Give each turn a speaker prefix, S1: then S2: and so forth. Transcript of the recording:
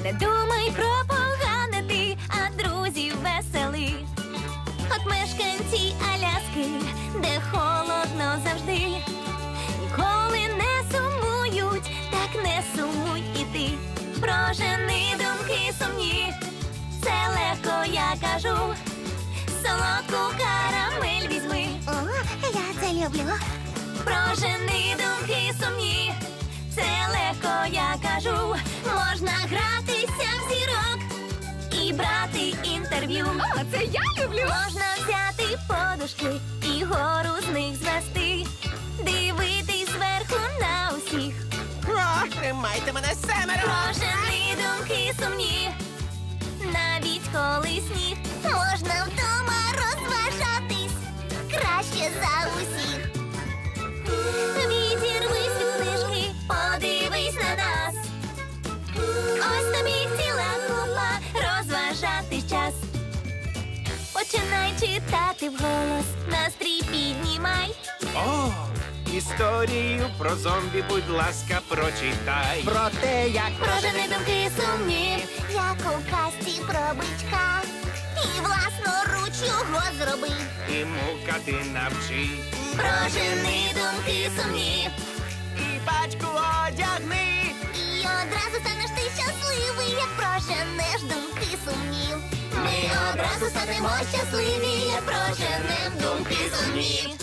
S1: Не думай про погане ти, а друзів весели. От мешканці Аляски, де холодно завжди, ніколи не сумують, так не сумуй і ти. Прожени думки сумні, це легко я кажу. Солодку карамель візьми.
S2: О, я це люблю.
S1: Прожени думки сумні, це легко я кажу. Можна гратися в зірок і брати інтерв'ю.
S3: О, це я люблю!
S1: Можна взяти подушки і гору з них звести. Дивитись зверху на усіх.
S4: О, тримайте мене, семеро!
S1: Прожени думки сумні, навіть коли сніг.
S2: Можна вдома розважатись краще за усіх.
S1: Відірвись від книжки, подивись на нас. Ось тобі ціла купа, розважатись час. Починай читати вголос, настрій піднімай.
S5: О, історію про зомбі, будь ласка, прочитай.
S4: Про те, як
S1: Прожени думки сумні,
S2: Як у казці про бичка. І власноруч його зроби.
S5: І мукати навчи.
S1: прожени думки сумні.
S4: і пачку одягни.
S2: І одразу станеш ти щасливий, як проженеш думки сумні.
S1: Ми одразу станемо щасливі, як проженем думки сумні.